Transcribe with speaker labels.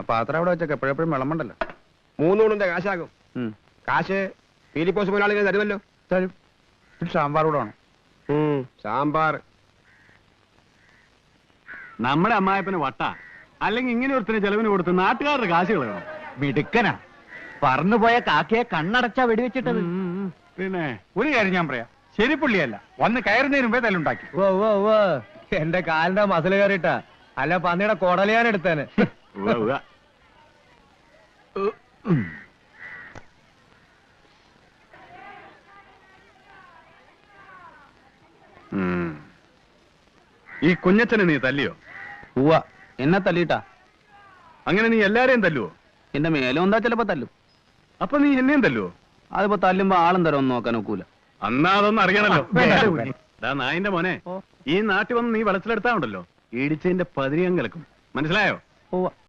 Speaker 1: പാത്രം അവിടെ വെച്ചൊക്കെ എപ്പോഴെപ്പോഴും വിളമ്പണ്ടല്ലോ.
Speaker 2: 3 ഊണിന്റെ കാശാകും. കാശ് ഫിലിപ്പോസ് മുതലാളികൾ തരുമല്ലോ.
Speaker 1: തരും. സാമ്പാർ കൂടെ വേണം.
Speaker 2: സാമ്പാർ.
Speaker 3: നമ്മുടെ അമ്മായപ്പന് വട്ട, അല്ലെങ്കിൽ ഇങ്ങനെ ഒരുത്തിന് ചെലവിന് കൊടുത്ത് നാട്ടുകാരുടെ കാശുകൾ വേണം.
Speaker 4: മിടുക്കനാ. പറന്നുപോയ കാക്കയെ കണ്ണടച്ചാ വെടിവെച്ചിട്ടത്.
Speaker 3: പിന്നെ
Speaker 1: ഒരു കാര്യം ഞാൻ പറയാം, ശരി പുള്ളിയല്ല, വന്ന് കയറുന്നതിന് മുമ്പേ തല്ലുണ്ടാക്കി.
Speaker 4: എന്റെ കാലിന്റെ മസിൽ കയറിയിട്ടാ, അല്ല പന്നിയുടെ കൊടലയാൻ എടുത്തേന്.
Speaker 3: ഈ കുഞ്ഞച്ചനെ നീ തല്ലിയോ?
Speaker 1: ഉവ്വ, എന്നെ തല്ലിട്ടാ.
Speaker 3: അങ്ങനെ നീ എല്ലാരെയും തല്ലുവോ?
Speaker 1: എന്റെ മേലും എന്താ ചിലപ്പോ തല്ലും.
Speaker 3: അപ്പൊ നീ എന്നെയും തല്ലുവോ?
Speaker 1: അതിപ്പോ തല്ലുമ്പോ ആളും തരം നോക്കാൻ ഒക്കൂല.
Speaker 3: അന്നാ അതൊന്നും അറിയണല്ലോ. നായിന്റെ മോനെ, ഈ നാട്ടിൽ വന്ന് നീ വെളച്ചിലെടുത്താ ഉണ്ടല്ലോ, ഇടിച്ചതിന്റെ 10 കലക്കും. മനസ്സിലായോ?